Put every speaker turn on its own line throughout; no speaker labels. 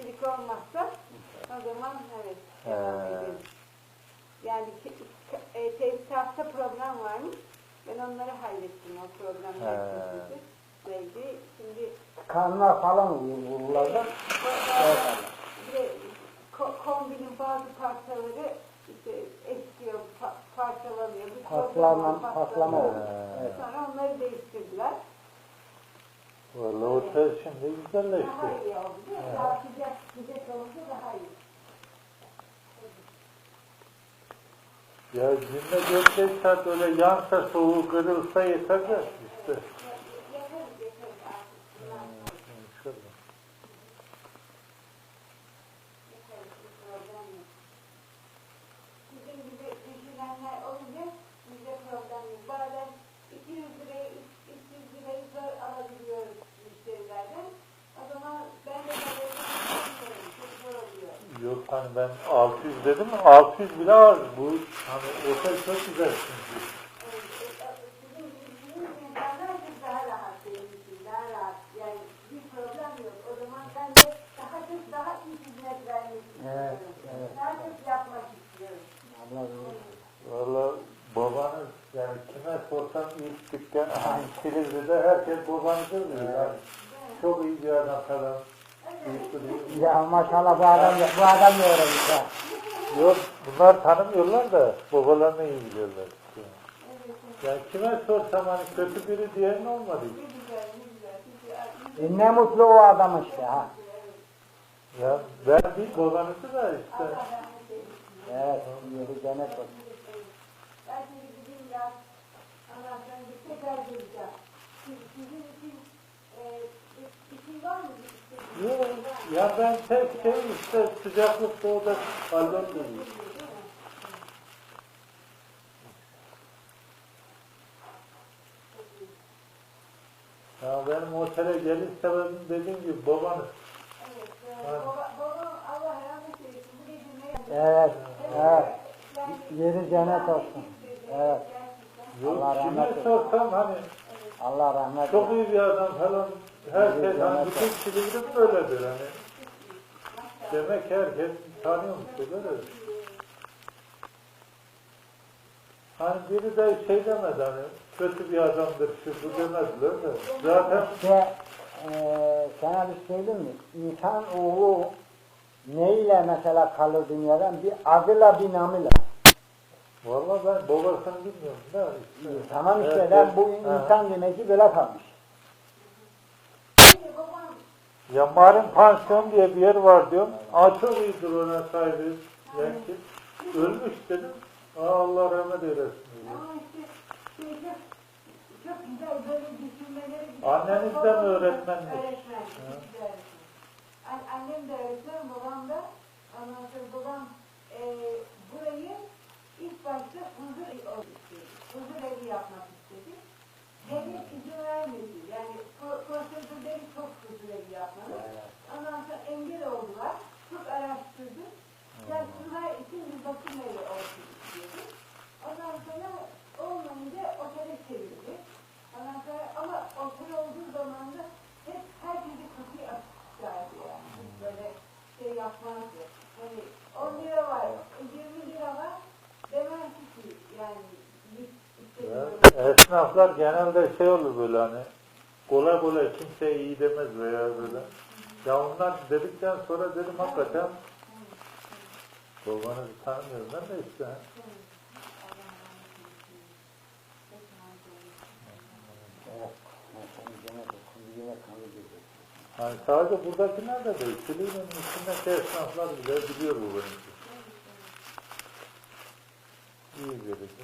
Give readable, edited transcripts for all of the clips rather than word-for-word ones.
aksilik olmazsa o zaman evet devam edelim. Yani tesisatta problem varmış. Ben onları hallettim o problemleri. Şimdi
kanlar falan vururlar.
Kombinin bazı parçaları işte eskiyor, parçalanıyor.
Patlama oldu.
Evet. Sonra onları değiştirdiler.
Vallahi otel şimdi güzelleşti.
Daha iyi oldu değil mi? Daha sıcak olunca daha iyi.
Ya günde 4-5 saat öyle yansa soğuğu kırılsa yeter de işte.
Yaparız artık.
İnşallah.
Bizim gibi düşünenler olunca bize problem yok. Bazen 200 lirayı, 300 lirayı zor alabiliyoruz müşterilerden. O zaman ben de alabiliyorum. Çok zor oluyor.
Yok hani ben 600 dedim, 600 bile az. Bu hani otel çok güzel çünkü.
Sizin bildiğiniz insanlar çok daha rahat benim için, daha rahat. Yani bir problem yok. O zaman ben de daha iyi hizmet vermek istiyorum.
Evet.
Daha çok yapmak istiyorum.
Valla babanız yani kime sorsam ilk dükkan hani Silivri'de herkes babanızı diyor. Yani çok iyi bir adam falan.
Ya maşallah bu adam ne öğrenmiş ha?
Yok bunlar tanımıyorlar da babalarını iyi biliyorlar. Yani kime sorsam hani kötü biri diyen olmadı.
Ne mutlu o adam işte ha.
Ya ben değil babanızı da işte.
Evet, yeri cennet olsun.
Ben şimdi gideyim ya. Anahtarını bir tekrar geleceğim. Sizin için işin var mı?
Yok ya ben tek şey işte sıcaklıkta o da hallolmuyor. Ya benim otele geliş sebebim dediğim gibi babanız.
Evet, babam Allah rahmet eylesin. Bu gece ne
Evet, evet. Yeri cennet olsun. Evet.
Yok
Allah
kime
rahmet eylesin.
sorsam hani
Allah rahmet
çok
eylesin.
iyi bir adam falan herkes hani bütün Silivri böyledir hani. Demek herkes tanıyormuş öyle. Hani biri de şey demedi hani kötü bir adamdır şu bu demezler de. Zaten
İşte sana bir söyleyeyim mi? İnsan oğlu neyle mesela kalır dünyadan? Bir adıyla bir namıyla.
vallahi ben babasını bilmiyorum da işte.
Tamam işte
Evet,
ben bu
ha.
insan demek ki böyle kalmış.
Ya Marin Pansiyon diye bir yer var diyorum. Aa çok iyidir ona sahibi. Belki ölmüş dedim. Aa Allah rahmet eylesin. Diyor.
Ama işte çok güzel böyle düşünmeleri güzel.
Anneniz de mi öğretmenmiş?
Öğretmen. Güzel. Annem de öğretmen, babam da. Ondan sonra babam burayı ilk başta huzur evi istedi. Huzur evi yapmak istedi. Devlet izin vermedi. Yani prosedürleri çok huzur evi yapmalı. Ondan sonra engel oldular. Çok araştırdı. Çalışmalar için bir bakım evi olsun istiyordu. Ondan sonra olmayınca otele çevirdi. Ondan sonra ama otel olduğu zaman da hep herkese kapıyı açıklardı yani. Hiç böyle şey yapmazdı. Hani 10 lira var, 20 lira var demezdi ki yani
Ya, esnaflar genelde şey olur böyle hani kolay kolay kimseye iyi demez veya böyle. Ya onlar dedikten sonra dedim hakikaten babanızı tanımıyorum ben de işte. Hani sadece buradakiler de değil. Silivri'nin içindeki esnaflar bile biliyor bu benim. İyi verirsin.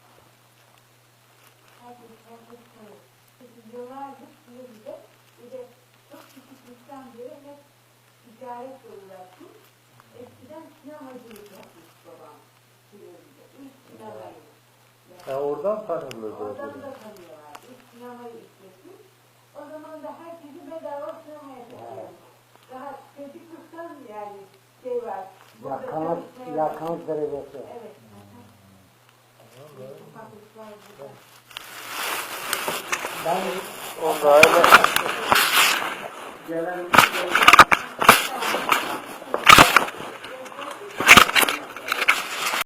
Yıllardır Silivri'de bir de çok küçüklükten beri hep ticaret uğraşmış. Eskiden sinemacılık yapmış babam Silivri'de. İlk sinemayı.
Ya oradan tanıyorlar
Oradan
zaten.
da tanıyorlar. İlk sinemayı işletmiş. O zaman da herkesi bedava sinemaya çekiyor. Daha çocukluktan yani şey var.
Yakınlık derecesi.
Evet. Ufaklıklar burada.
Ben
Onda öyle
gelen